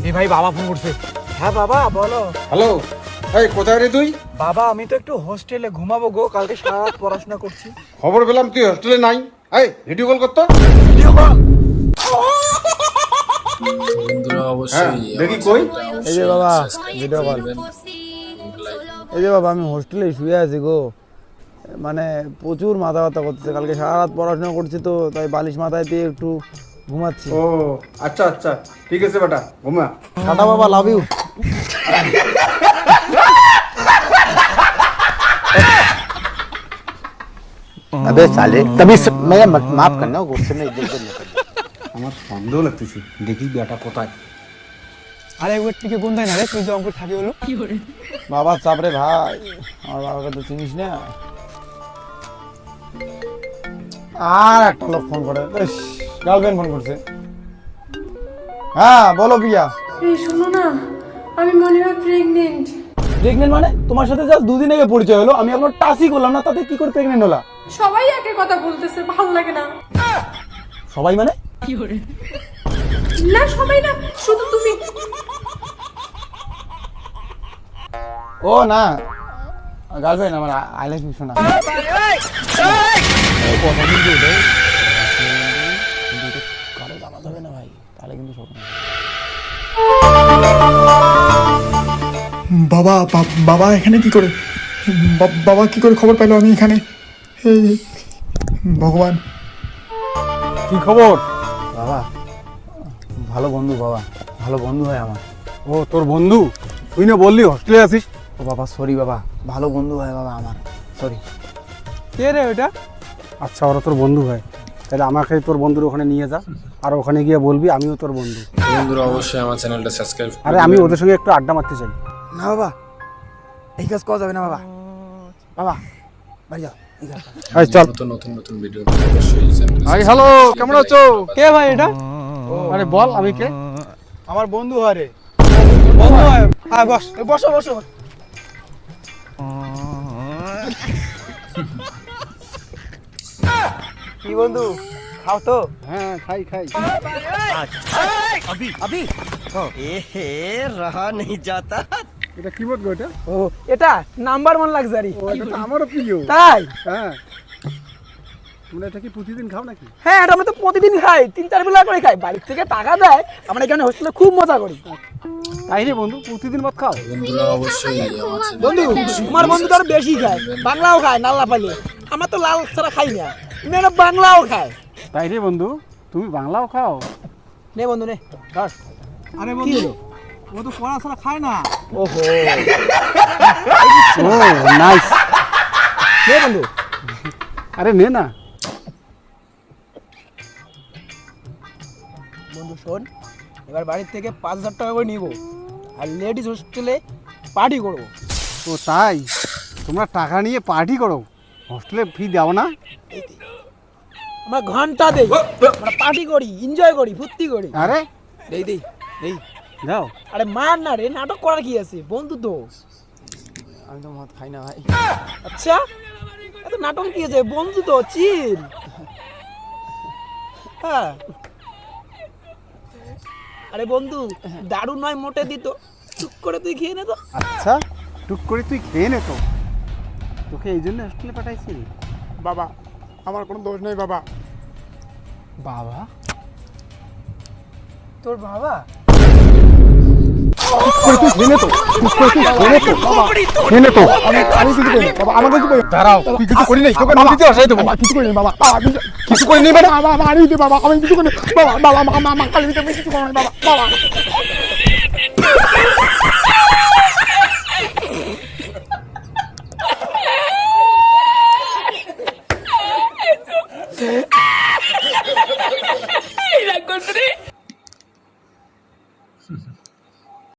ভাই বাবা ফোন করছে। হ্যাঁ বাবা বলো। হ্যালো, এই কোথায় রে তুই? বাবা আমি তো একটু হোস্টেলে ঘুমাবো গো, কালকে সারা রাত পড়াশোনা করছি। খবর পেলাম তুই হোস্টেলে নাই। এই ভিডিও কল করতো। Video call. বন্ধুরা অবশ্যই দেখি কই। এই যে বাবা ভিডিও কল। এই যে বাবা আমি হোস্টেলে শুয়ে আছি গো, মানে প্রচুর মাথা ব্যথা করতেছে, কালকে সারা রাত পড়াশোনা করছি তো তাই বালিশ মাথায় দিয়ে একটু ঘুমাচ্ছি। ও আচ্ছা আচ্ছা, ঠিক আছে বেটা, ঘুমা। টাটা বাবা, লাভ ইউ। अबे साले तभी मैं माफ करना गुस्से में इज्जत करना। আমার সন্দেহ লাগতেছে, দেখি বেটা কোথায়। আরে একবার টিকে কোনটাই না রে, তুই যে অঙ্কুর থাকি হলো বাবা চাপরে ভাই, আমার বাবাকে তো চিনিস না। আর একটা লোক ফোন করে, গার্লফ্রেন্ড ফোন করছে। হ্যাঁ বলো প্রিয়া। এই শোনো না, আমি মনে হয় প্রেগনেন্ট। প্রেগনেন্ট মানে? তোমার সাথে জাস্ট দুদিন আগে পরিচয় হলো, আমি এখনো টাচই করলাম না, তাতে কি করে প্রেগনেন্ট হলা? সবাই একের কথা বলতেছে, ভালো লাগে না। সবাই মানে? না সবাই না, শুধু তুমি। ও না, গার্লফ্রেন্ড আমার, আই লাইক ইউ শোনা। কারো জানাতে হবে না ভাই, তাহলে কিন্তু শোনা। বাবা বাবা এখানে কি করে? বাবা কি করে খবর পেলো আমি এখানে? হে ভগবান, কি খবর? বাবা ভালো বন্ধু, বাবা ভালো বন্ধু হয় আমার। ও তোর বন্ধু? তুই না বললি হোস্টেলে আছিস? ও বাবা সরি বাবা, ভালো বন্ধু হয় বাবা আমার, সরি। কে রে ওটা? আচ্ছা ওরা তোর বন্ধু হয়, তাহলে আমাকে তোর বন্ধুর ওখানে নিয়ে যা, আর ওখানে গিয়ে বলবি আমিও তোর বন্ধু। বন্ধুরা অবশ্যই আমার চ্যানেলটা সাবস্ক্রাইব আরে আমি ওদের সঙ্গে একটু আড্ডা মারতে চাই। না বাবা এই কাজ করা যাবে না বাবা, বাবা বাড়ি যাও। এই চল। নতুন নতুন নতুন ভিডিও অবশ্যই চ্যানেলে হাই হ্যালো, কেমন আছো? কে ভাই এটা? আরে বল আমি কে? আমার বন্ধু হয় রে। বন্ধু হয়? হ্যাঁ বস, বসো বসো। কি বন্ধু, খাও তো? হ্যাঁ খাই খাই। रहा नहीं जाता। এটা কি বলবো এটা? ও এটা নাম্বার 1 লাক্সারি। ও এটা তো আমারও প্রিয়। তাই? হ্যাঁ, তোমরা এটা কি প্রতিদিন খাও নাকি? হ্যাঁ এটা আমরা তো প্রতিদিন খাই, 3-4 বেলা করে খাই, বাড়ির থেকে টাকা দেয়, আমরা এখানে হোস্টেলে খুব মজা করি। তাই রে বন্ধু, প্রতিদিন মত খাও? বন্ধুরা অবশ্যই আমার বন্ধু তোমার বন্ধু তো আরো বেশি খায়, বাংলাও খায় নাল্লা পালে, আমার তো লাল ছাড়া খাই না, মেয়েরা বাংলাও খায়। তাই রে বন্ধু, তুমি বাংলাও খাও? নে বন্ধু নে ধর। আরে বন্ধু ও তো পড়া ছাড়া খায় না। ওহো ও নাইস। নে বন্ধু। আরে নে না। বন্ধু শোন, এবার বাড়ির থেকে 5,000 টাকা করে নিব, আর লেডিস হোস্টেলে পার্টি করবো। ও তাই? তোমরা টাকা নিয়ে পার্টি করো, হোস্টেলে ফি দাও না? আমরা ঘন্টা দেই, আমরা পার্টি করি, এনজয় করি, ফুর্তি করি। আরে দেই দেই দেই। দাও। আরে মার না রে, নাটক করার কি আছে, বন্ধু তো। আমি তো মদ খাই না ভাই। আচ্ছা এত নাটক কি আছে, বন্ধু তো, চিল। হ্যাঁ আরে বন্ধু দারু নয় মোটে দিত, চুপ করে তুই খেয়ে নে তো। আচ্ছা টুক করে তুই খেয়ে নে তো, তোকে এই জন্য হোস্টেলে পাঠাইছি। বাবা আমার কোনো দোষ নেই বাবা। বাবা? তোর বাবা? আমি কিছু করি বাবা, আমাকে কিছু করি। দাঁড়াও, তুই কিছু করি নাই, তোকে নদীতে আসাই দেবো। বাবা কিছু করি না বাবা, বাবা কিছু করি নি মানে? বাবা মারি দে বাবা, আমি কিছু করি না। বাবা বাবা মা কালি দিতে আমি কিছু করি না বাবা, বাবা।